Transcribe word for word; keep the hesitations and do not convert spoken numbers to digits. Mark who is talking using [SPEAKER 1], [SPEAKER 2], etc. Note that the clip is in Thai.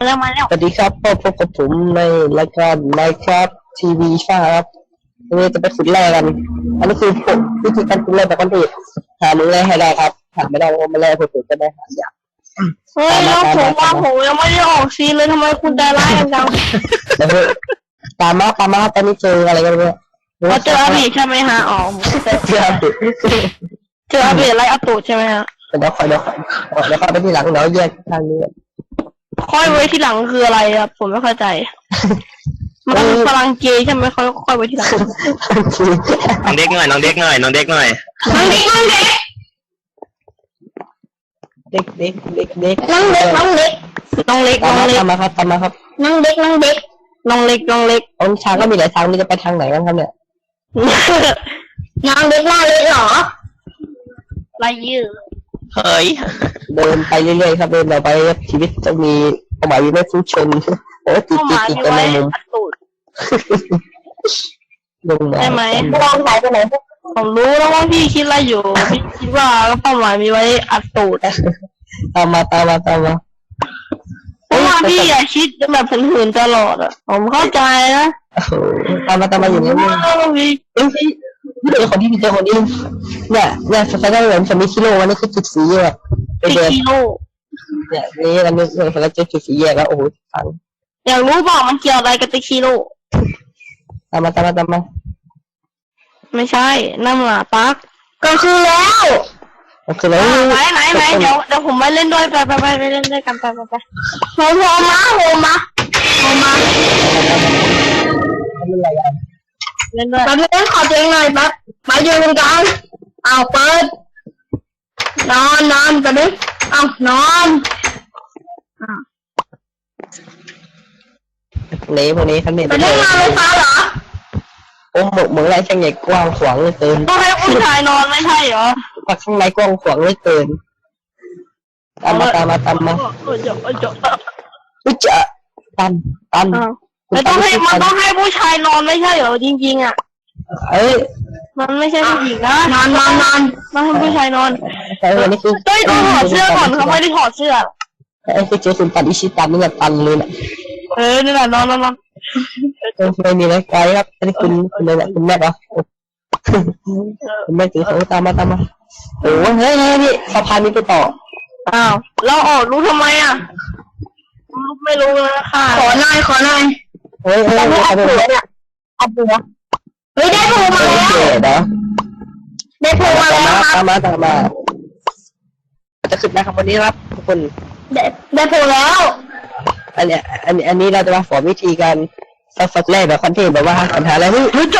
[SPEAKER 1] แล้วมาแล้ว
[SPEAKER 2] สวัสดีครับพบพบกับผมในรายการ Minecraft ที วี ครับวันนี้จะไปขุดแร่กันอันนี้คือผมวิธีการขุดแร่แบบคอนเทนต์หาเนื้อให้ได้ครับหาไม่ได้ก็ไม่แร่ผมจะได้หายาก
[SPEAKER 1] เฮ้ยแล้วผมว่าผมยังไม่ได้ออกซีเลยทำไมคุณใจร้ายจัง
[SPEAKER 2] ตามมาตามมาตอนนี้เจออะไรกันเนี่ย
[SPEAKER 1] เราเจออาบีใช่ไหมฮะอ๋อ
[SPEAKER 2] เจออาบี
[SPEAKER 1] เจออาบีอะไรอาตูใช่ไหมฮะ
[SPEAKER 2] เดี๋ยวค่อยเดี๋ยวค่อยเดี๋ยวค่อยไปที่หลังเดี๋ยวแยกทางนี้
[SPEAKER 1] ค่อยไว้ที่หลังคืออะไรครับผมไม่เข้าใจมันพลังเกย์ใช่ไหมค่อยค่อยไว้ที่หลัง
[SPEAKER 3] น้องเด็กหน่อยน้องเด็กหน่อยน้องเด็กหน่อย
[SPEAKER 1] น้องเด็กน้องเด็ก
[SPEAKER 2] เด็กเด็กเด็กเด็ก
[SPEAKER 1] น้องเด็กน้องเด็กน้องเล็กน้องเล็ก
[SPEAKER 2] ตามมาครับตามมาครับ
[SPEAKER 1] น้องเด็กน้องเด็กน้องเล็กน้องเล็ก
[SPEAKER 2] องช้างก็มีหลายทางนี่จะไปทางไหนกันครับเนี่ย
[SPEAKER 1] น้องเด็กน้องเล็กเหรอไรยืด
[SPEAKER 3] เฮ้ย
[SPEAKER 2] เดินไปเรื่อยๆครับเดินไปชีวิตจะมีเป้าหมายมีไม่ฟุ้งชนโอ้ติดติดติดกันในมุมลงมา
[SPEAKER 1] ใช่ไหมลองสายไปไหนผมรู้แล้วว่าพี่คิดอะไรอยู่พี่คิดว่าเป้าหมายมีไว้อัดตูด
[SPEAKER 2] ตามมาตามมาตามมา
[SPEAKER 1] เพราะว่าพี่อย่าคิดแบบหืนๆตลอดอ่ะผมเข้าใจนะ
[SPEAKER 2] ตามมาตามมาอย่างนี้เลยเอ้ยเจอคนที่เจอคนนี้เนี่ยเนี่ยสไตล์เหมือนสมิธคิโลวันนี้คือจุดสีแยก
[SPEAKER 1] ไปเดิน
[SPEAKER 2] เนี่ยนี่อันนี้เราเจอจุดสีแยกแล้วโอ้โหฟัง
[SPEAKER 1] อยากรู้เปล่ามันเกี่ยวอะไรกับติคิโล
[SPEAKER 2] ตามมาตามมาตามมา
[SPEAKER 1] ไม่ใช่นั่นหละปักก็คือแล้ว
[SPEAKER 2] ก็คือแล้ว
[SPEAKER 1] ไหนไหนไหนเดี๋ยวเดี๋ยวผมไปเล่นด้วยไปไปไปไปเล่นด้วยกันไปไปไปโฮมโฮมมาโฮมมาโฮมมาเล่นด้วยแป๊บนึงขอเตียงหน่อยแป๊บมายืนตรงกลางเอาเปิดนอนนอนแป๊บนึงเอานอน
[SPEAKER 2] เละพวกนี้ท่านเนี่ย
[SPEAKER 1] ไปเล่นงานไฟฟ้าเหรอ
[SPEAKER 2] โอ้หมกเหมือนไรช่างใหญ่กว้างขวางเลยเกิน
[SPEAKER 1] ต้องให้ผู้ชายนอนไม่ใช่เหรอ
[SPEAKER 2] ปักข้างในกว้างขวางเลยเกินตามมาตามมาตามมา
[SPEAKER 1] อุ้ยจะอุ้ยจะ
[SPEAKER 2] อุ้ยจะตันตัน
[SPEAKER 1] ไม่ต้องให้มันต้องให้ผู้ชายนอนไม่ใช่เหรอจริงๆอ่ะ
[SPEAKER 2] เอ้ย
[SPEAKER 1] มันไม่ใช่ผู้หญิงนะนอนนอนนอนต้องให้ผู้ชายนอน
[SPEAKER 2] แต่วันนี้คือ
[SPEAKER 1] ต้องต้องถอดเสื้อก่อนเขาไม่ได้ถอดเสื้อ
[SPEAKER 2] ไอ้คือเจอคุณตันอิชิตันนี่แหละตันเลยแหละ
[SPEAKER 1] เออนี่แหละนอนนอนนอน
[SPEAKER 2] ไม่มีอะไรไกลครับอันนี้คุณคุณเลยแหละคุณแม่เหรอคุณแม่ถือเขาตามมาตามมาโอ้เฮ้ยเฮ้ยนี่สะพานนี้ไปต่อ
[SPEAKER 1] อ้าวเราออกรู้ทำไมอ่ะไม่รู้นะค่ะขอหน่อยขอหน่อย
[SPEAKER 2] เฮ้ยเฮ้ย
[SPEAKER 1] ไม่เอาผัวเนี่ยเอาผัวเฮ้ยได้ผัวมาแล้วได้ผัวมาแล้ว
[SPEAKER 2] ตามมาตามมาจะขึ้นนะครับวันนี้ครับทุกคน
[SPEAKER 1] ได้ได้ผัวแล้ว
[SPEAKER 2] อันเนี้ยอันนี้อันนี้เราจะมาสอนวิธีการสักแรกแบบคอนเทนต์แบบว่าปัญหาอะไร